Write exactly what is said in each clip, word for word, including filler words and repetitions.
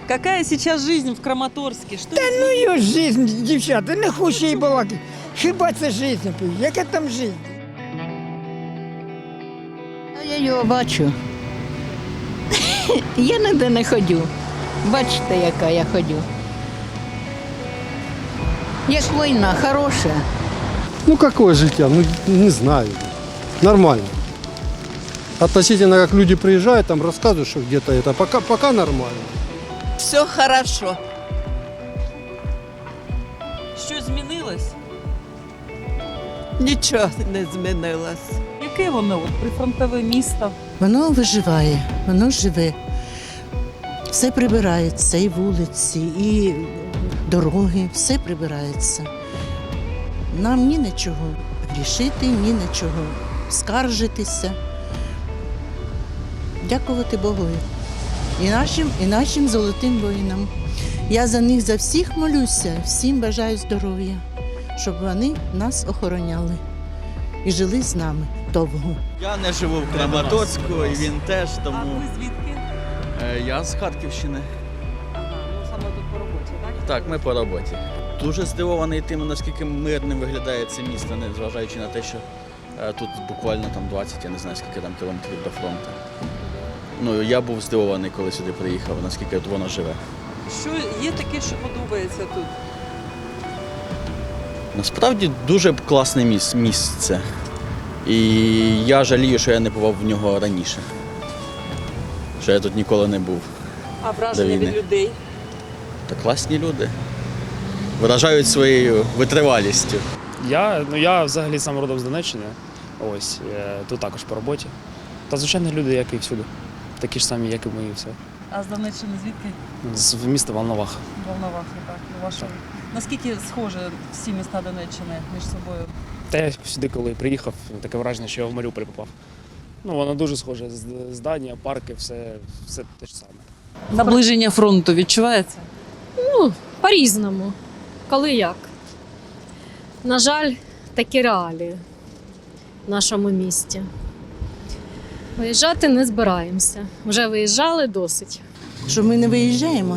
Какая сейчас жизнь в Краматорске? Что Та ну його жизнь, дівчата, не хочу їй балакати. Хіба це жизнь? Яка там жизнь? Я його бачу. Я ніде не ходю. Бачите, яка я ходю. Як війна, хороша. Ну какое житье? Ну не знаю. Нормально. Относительно как люди приезжают, там рассказывают, что где-то это пока, пока нормально. Все хорошо. Що змінилось? Нічого не змінилось. Яке воно от, прифронтове місто? Воно виживає, воно живе. Все прибирається, і вулиці, і дороги, все прибирається. Нам ні на чого грішити, ні на чого скаржитися. Дякувати Богові. І нашим, і нашим золотим воїнам. Я за них за всіх молюся, всім бажаю здоров'я, щоб вони нас охороняли і жили з нами довго. Я не живу в Краматорську, і він теж, А тому ви звідки? Е, я з Харківщини. Ага, ну саме тут по роботі, так? Так, ми по роботі. Дуже здивований тим, наскільки мирним виглядає це місто, незважаючи на те, що е, тут буквально там двадцять, я не знаю, скільки там кілометрів до фронту. Ну, я був здивований, коли сюди приїхав, наскільки тут воно живе. Що є таке, що подобається тут? Насправді дуже класне міс- місце. І я жалію, що я не бував в нього раніше. Що я тут ніколи не був. А враження До від війни. людей? Та класні люди. Вражають своєю витривалістю. Я, ну, я взагалі сам родом з Донеччини. Ось, е, тут також по роботі. Та звичайно люди, як і всюди. Такі ж самі, як і ми, і все. А з Донеччини звідки? З міста Волновах. Волновахи, так. У вашої. Наскільки схожі всі міста Донеччини між собою? Та я сюди, коли приїхав, таке враження, що я в Маріуполь попав. Ну, воно дуже схоже. З- Здання, парки, все, все те ж саме. Наближення фронту відчувається? Ну, по-різному. Коли як. На жаль, такі реалії в нашому місті. Виїжджати не збираємося. Вже виїжджали досить. Що ми не виїжджаємо.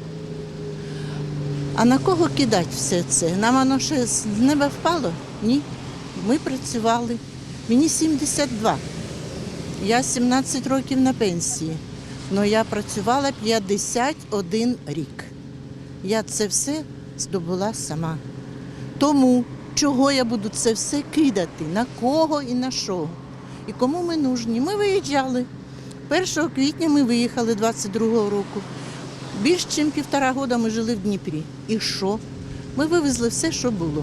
А на кого кидати все це? Нам воно ще з неба впало? Ні. Ми працювали. Мені сімдесят два. Я сімнадцять років на пенсії. Але я працювала п'ятдесят один рік. Я це все здобула сама. Тому чого я буду це все кидати? На кого і на що? І кому ми нужні? Ми виїжджали. першого квітня ми виїхали двадцять другого року. Більш ніж півтора року ми жили в Дніпрі. І що? Ми вивезли все, що було.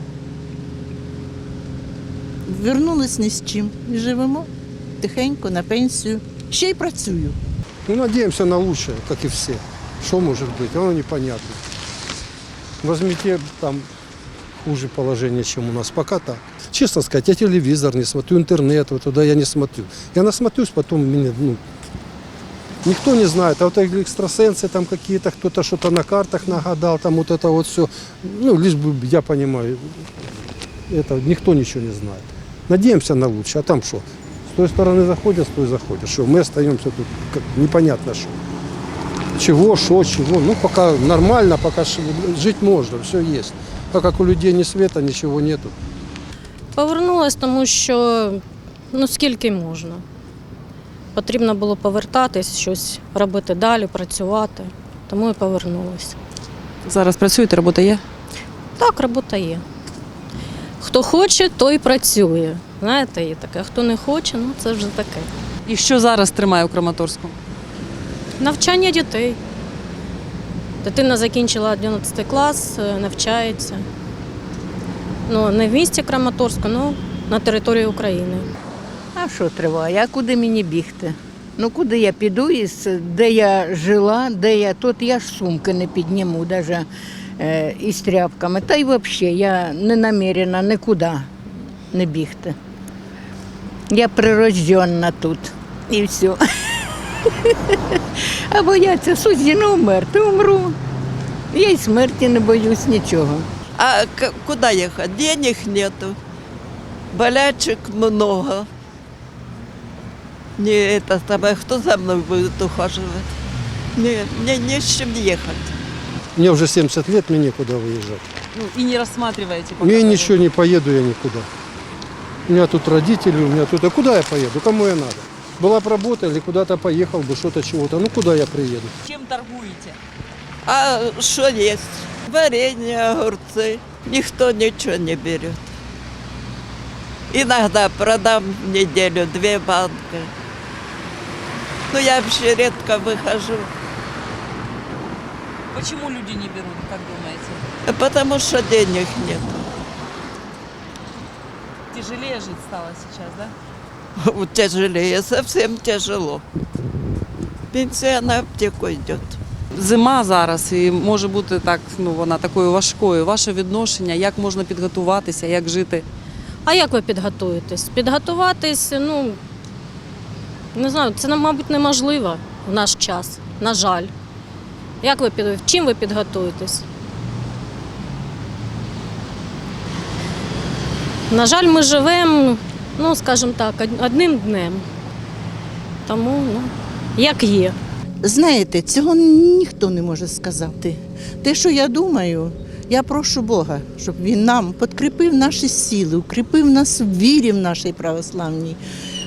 Вернулись ні з чим. І живемо тихенько, на пенсію. Ще й працюю. Ну надеемся на лучшее, как и все. Что может быть? Оно непонятно. Возьмите там хуже положение, чем у нас. Пока так. Честно сказать, я телевизор не смотрю, интернет, вот туда я не смотрю. Я насмотрюсь, потом меня, ну, никто не знает. А вот эти экстрасенсы там какие-то, кто-то что-то на картах нагадал, там вот это вот все. Ну, лишь бы я понимаю, это никто ничего не знает. Надеемся на лучшее, а там что? С той стороны заходят, с той заходят. Что, мы остаемся тут как, непонятно что. Чего, что, чего. Ну, пока нормально, пока жить можно, все есть. А как у людей ни света, ничего нету. Повернулась, тому що ну скільки можна. Потрібно було повертатись, щось робити далі, працювати. Тому і повернулася. Зараз працюєте, робота є? Так, робота є. Хто хоче, той працює. Знаєте, є таке. А хто не хоче, ну це вже таке. І що зараз тримає у Краматорську? Навчання дітей. Дитина закінчила одинадцятий клас, навчається. Ну, не в місті Краматорську, але на території України. А що триває? А куди мені бігти? Ну куди я піду, із, де я жила, де я тут, я ж сумки не підніму, навіть е, із тряпками. Та й взагалі я не намірена нікуди не бігти. Я прирожденна тут і все. А бояться судді, ну умерти, умру. Я й смерті не боюсь нічого. А к- куда ехать? Денег нету. Болячек много. Не это самое, кто за мной будет ухаживать? Не, мне не с чем ехать. Мне уже семьдесят лет, мне некуда выезжать. Ну, и не рассматриваете пока Мне того? ничего не поеду я никуда. У меня тут родители, у меня тут... А куда я поеду? Кому я надо? Была бы работа или куда-то поехал бы, что-то, чего-то. Ну, куда я приеду? Чем торгуете? А что есть? Варенье, огурцы. Никто ничего не берет. Иногда продам в неделю две банки. Но я вообще редко выхожу, Почему люди не берут, как думаете? потому что денег нет. Тяжелее жить стало сейчас, да? Тяжелее, совсем тяжело. Пенсія на аптеку йде. Зима зараз і може бути так, ну вона такою важкою. Ваше відношення, як можна підготуватися, як жити? А як ви підготуєтесь? Підготуватись, ну не знаю, це, мабуть, неможливо в наш час, на жаль. Як ви під... Чим ви підготуєтесь? На жаль, ми живемо, ну, скажімо так, од- одним днем. Тому, ну, як є. Знаєте, цього ніхто не може сказати. Те, що я думаю, я прошу Бога, щоб Він нам підкріпив наші сили, укріпив нас в вірі в нашій православній,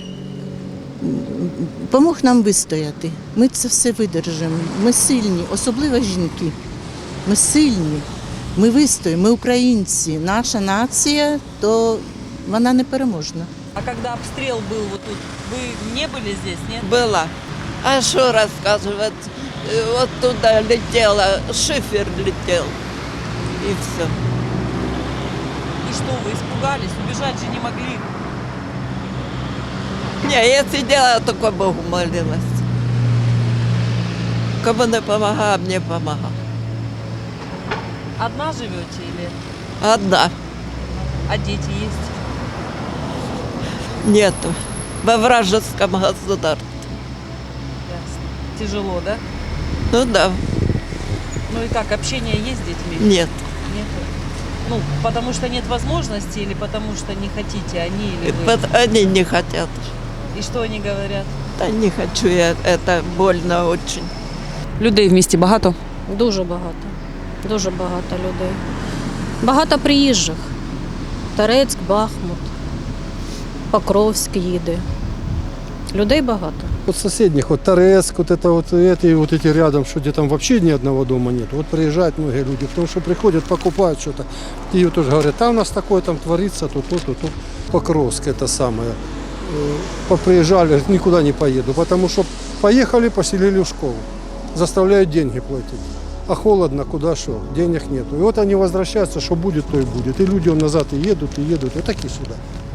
помог нам вистояти. Ми це все видержимо. Ми сильні, особливо жінки. Ми сильні, ми вистоїмо, ми українці. Наша нація, то вона непереможна. А когда обстрел был вот тут, вы не были здесь, нет? Была. А что рассказывать? Э, Вот туда летела, шифер летел. И все. И что, вы испугались? Убежать же не могли. Не, я сидела, только Богу молилась. Кому не помогал, мне помогал. Одна живете или Одна. а дети есть? Нету. Во вражеском государстве. Ясно. Тяжело, да? Ну да, Ну и как, общение есть с детьми? нет. Нет. Ну, потому что нет возможности или потому что не хотите они или вы? Вот они не хотят. И что они говорят? Да не хочу я, это больно очень. Людей в місті багато? Дуже багато. Дуже багато людей. Багато приїжджих. Торецьк, Бахмут, Покровськ їде. Людей багато. Вот соседних, вот Торецк, вот это вот эти, вот эти рядом, что где там вообще ни одного дома нет. Вот приезжают многие люди, потому что приходят, покупают что-то. И вот тоже говорят, там у нас такое там творится, то, то, то, то. Покровск это самое. Э, Поприезжали, никуда не поеду, потому что поехали, поселили в школу. Заставляют деньги платить. А холодно, куда что, денег нету. И вот они возвращаются, что будет, то и будет. И люди вон назад и едут, и едут, и так и сюда.